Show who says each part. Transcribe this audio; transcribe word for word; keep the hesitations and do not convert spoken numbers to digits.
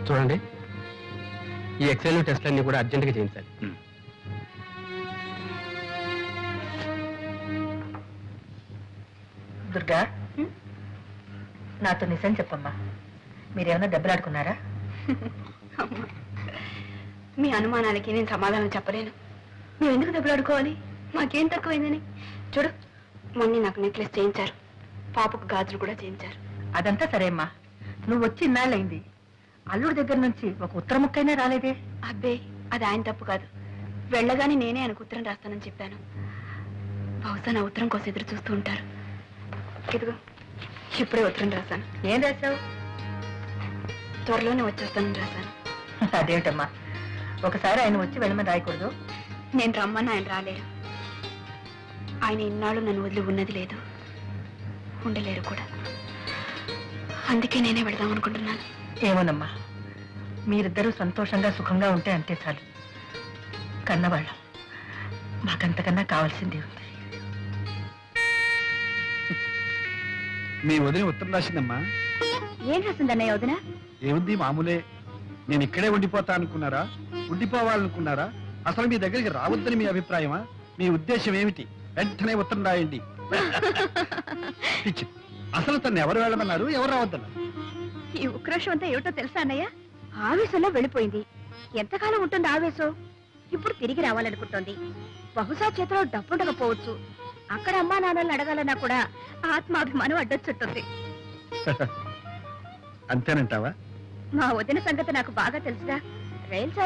Speaker 1: చూడండి, ఈ ఎక్సెల్ టెస్ట్లన్నీ కూడా అర్జెంటుగా చేయించాలి.
Speaker 2: దుర్గా, నాతో నిజం చెప్పమ్మా, మీరేమన్నా దెబ్బలాడుకున్నారా?
Speaker 3: మీ అనుమానాలకి నేను సమాధానం చెప్పలేను. మేము ఎందుకు దెబ్బలాడుకోవాలి? మాకేం తక్కువైందని. చూడు, మొన్న నాకు నెక్లెస్ చేయించారు, పాపకు గాజులు కూడా చేయించారు.
Speaker 2: అదంతా సరే అమ్మా, నువ్వు వచ్చి ఇన్నాళ్ళయింది, అల్లుడి దగ్గర నుంచి ఒక ఉత్తర ముక్కైనా రాలేదే?
Speaker 3: అబ్బే, అది ఆయన తప్పు కాదు. వెళ్ళగానే నేనే ఆయనకు ఉత్తరం రాస్తానని చెప్పాను. బహుశా నా ఉత్తరం కోసం ఎదురు చూస్తూ ఉంటారు. ఇదిగో, ఇప్పుడే ఉత్తరం రాశాను.
Speaker 2: ఏం రాశావు?
Speaker 3: త్వరలోనే వచ్చేస్తానని రాశాను.
Speaker 2: అదేమిటమ్మా, ఒకసారి ఆయన వచ్చి వెళ్ళమని రాయకూడదు?
Speaker 3: నేను రమ్మని ఆయన రాలేరు. ఆయన ఇన్నాళ్ళు నన్ను వదిలి ఉన్నది లేదు, ఉండలేరు కూడా. అందుకే నేనే వెళదాం అనుకుంటున్నాను.
Speaker 2: ఏమోనమ్మా, మీరిద్దరూ సంతోషంగా సుఖంగా ఉంటే అంతే చాలు. కన్నవాళ్ళం, మాకంతకన్నా కావాల్సిందే ఉంది.
Speaker 4: మీ వదిన ఉత్తరం రాసిందమ్మా.
Speaker 3: ఏం రాసిందన్నయ్య వదిన?
Speaker 4: ఏముంది, మామూలే. నేను ఇక్కడే ఉండిపోతా అనుకున్నారా, ఉండిపోవాలనుకున్నారా, అసలు మీ దగ్గరికి రావద్దని మీ అభిప్రాయమా? మీ ఉద్దేశం ఏమిటి? వెంటనే ఉత్తరం రాయండి. పిచ్చి. అసలు తను ఎవరు వెళ్ళమన్నారు, ఎవరు రావద్దన్నారు?
Speaker 3: ఈ ఉక్రోషం అంతా ఏమిటో తెలుసా అన్నయ్య? ఆవేశంలో వెళ్ళిపోయింది. ఎంతకాలం ఉంటుంది ఆవేశం? ఇప్పుడు తిరిగి రావాలనుకుంటోంది. బహుశా చేతిలో డబ్బుండకపోవచ్చు. అక్కడ అమ్మా నాన్నల్ని అడగాలన్నా కూడా ఆత్మాభిమానం అడ్డొచ్చుంటుంది.
Speaker 4: అంతేనంటావా?
Speaker 3: మా వదిన సంగతి నాకు బాగా తెలుసుగా. రైలు